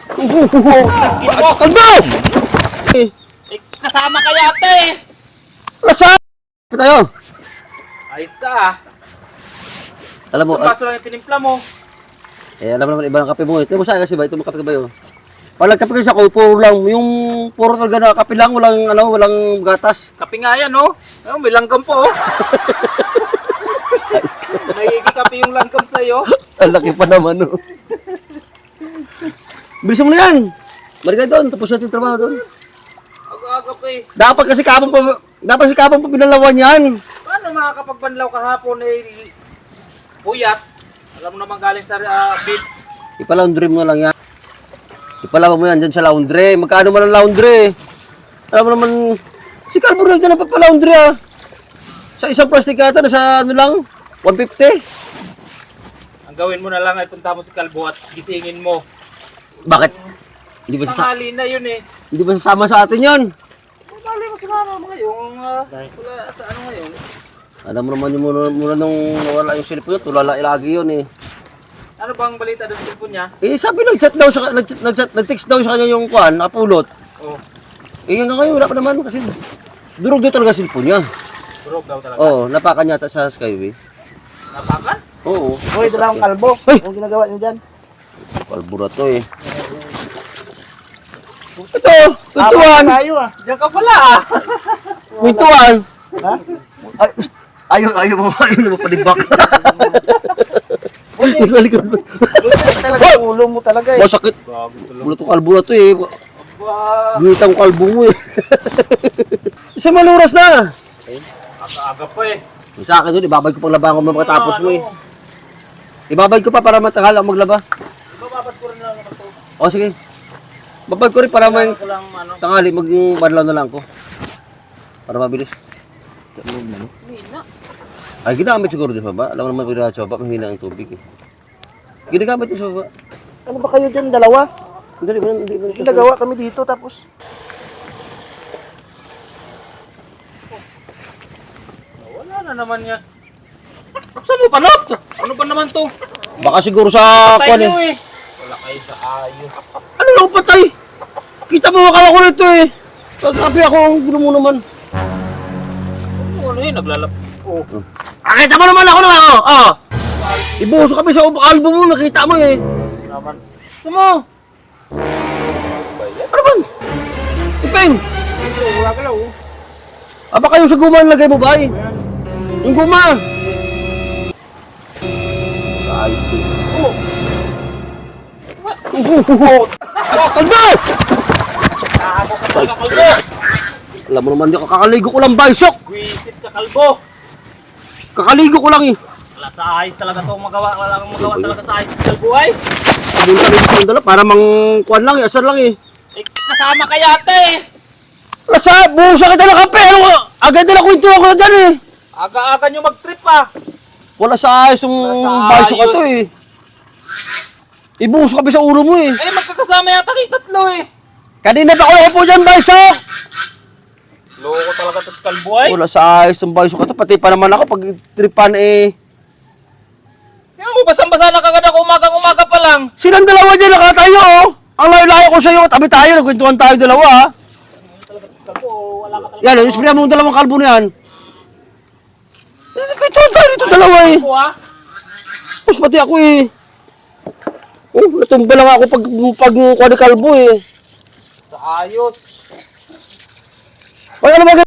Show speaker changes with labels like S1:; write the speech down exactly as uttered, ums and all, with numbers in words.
S1: Kalbo!
S2: Eh, kasama ka yata eh.
S1: Lasa! Pa tayo.
S2: Ayos ka ah.
S1: Alam mo,
S2: Isang baso lang yung tinimpla mo.
S1: eh, alam mo naman iba ng kape mo. Ito mo sa'yo kasi ba? Ito mo kape ka ba yun? Pag nagkape kasi ako, puro lang, yung puro talaga na kape lang, walang, ano, walang gatas.
S2: Kape nga yan oh. Ayun, may langgam po oh. May kape yung langgam sa'yo.
S1: Ang laki pa naman, no? Bilisan mo na yan! Marigay doon, tapos natin yung trabaho doon.
S2: Aga-aga pa eh.
S1: Dapat kasi kapang pa, dapat kasi kapang pa pinalawan yan.
S2: Paano makakapagbanlaw kahapon eh, puyat? Alam mo naman galing sa uh, beach.
S1: Ipalaundry mo na lang yan. Ipalawan mo yan dyan sa laundry. Magkano man ang laundry? Alam mo naman, si Calvo Reg na napapalaundry ah. Sa isang plastic ata, nasa ano lang, one fifty.
S2: Ang gawin mo na lang ay punta mo si Calvo at gisingin mo.
S1: Bakit? Hindi ba sa
S2: Tanghali na yun eh.
S1: hindi ba sasama sa atin yon?
S2: Mali mo sumama mo ngayon. Uh, wala sa ano ngayon.
S1: Alam mo naman yung muna, muna nung nawala yung cellphone yun, tulala lagi yun eh.
S2: Ano bang balita doon sa cellphone niya?
S1: Eh sabi nag-chat daw siya, nag-chat, nag-chat, nag-text daw sa kanya yung kwan, nakapulot.
S2: Oh,
S1: Eh hanggang ngayon wala pa naman kasi durog daw talaga cellphone niya.
S2: durog daw talaga.
S1: Oo, napakan yata sa Skyway.
S2: Napakan?
S1: Oo.
S3: Hoy, dala akong kalbo.
S1: Hoy!
S3: Anong ginagawa niyo dyan?
S1: Kalbura to eh. Ito, kwentuhan.
S3: Tayo ah.
S2: Diyan ka pala ah.
S1: Kwentuhan.
S3: Ha?
S1: Ay, ayaw, ayaw mo, ayaw mo palibak. Sa likod mo.
S3: Talaga ulo mo talaga eh.
S1: Masakit. Wala to kalbura to eh.
S2: Aba,
S1: Gitang kalbo mo eh. Isa maluras na.
S2: aga-aga pa eh.
S1: Sa akin doon, ibabay ko pang labangan mo makatapos mo eh. Ibabay ko pa para matagal ako maglaba.
S2: Bababad ko rin lang naman ito.
S1: O sige. Babay ko rin para may
S2: Ko lang ano.
S1: tangali, mag-banlaw na lang ko. Para mabilis.
S2: Mina.
S1: Ay, ginamit siguro din sa baba. Alam mo naman kung sa baba, mahina ang tubig eh. Ginagamit din sa baba.
S3: Ano ba kayo dyan, dalawa?
S1: Hindi ba, hindi ba.
S3: Ginagawa kami dito tapos.
S2: Wala na naman yan. Buksan mo panot! Ano ba naman to?
S1: Baka siguro sa
S2: Patay
S1: kwan
S2: nyo
S1: eh.
S2: eh. Wala kayo sa ayos.
S1: Ano lang patay? Kita mo makala ko nito eh. Pagkapi ako, ang gulo mo naman.
S2: Ano, ano yun? Naglalap. Oh.
S1: Ah, kita mo naman ako naman, oh. Ah. Ibuso kami sa album mo, nakita mo eh.
S2: Naman. Sumo!
S1: Ano ba? Ipeng!
S2: Wala ka lang oh.
S1: Ah, baka yung sa guma ang lagay mo ba eh? Yung guma! Ayos eh.
S2: Oh!
S1: Oh! Kalbo!
S2: Nakako ka talaga kalbo!
S1: Alam mo naman, di kakaligo ko lang baysok!
S2: Wisit ka kalbo!
S1: Kakaligo ko lang eh.
S2: Wala sa ayos talaga itong magawa. Wala kang magawa talaga sa ayos sa kalbo ay.
S1: Pumunta rin sa dala para mang kuhan lang eh, asar lang eh.
S2: Eh, kasama ka yata eh.
S1: Lasa, buhusa kita ng kape! Ano ka? Agad na kwento ako na dyan eh.
S2: Aga-aga nyo mag-trip ah.
S1: Wala sa ayos yung
S2: Wala sa
S1: baysok ka
S2: ayos.
S1: to eh. Ibuhos kami sa ulo mo eh.
S2: Eh, magkakasama yata kayong tatlo eh.
S1: Kanina pa ako po dyan, baysok!
S2: Loko talaga ito sa kalbo ay.
S1: Wala sa ayos yung baysok ka to. Pati pa naman ako pag tripan eh.
S2: Tingnan mo, basang-basa na kagad ako umaga-umaga pa lang.
S1: Silang dalawa dyan, nakatayo oh. Ang layo-layo ko sa'yo, tabi tayo, nagkwentuhan tayo dalawa ah.
S2: Kalbo, wala ka talaga.
S1: Yan, isprayan mo yung dalawang kalbo na yan. Eh, nagkwentuhan tayo dito dalawa eh.
S2: Kalbo ah.
S1: Tapos pati ako eh. Oh, natumba lang ako pag pag kuha ni kalbo eh.
S2: Sa ayos.
S1: Ay, ano ba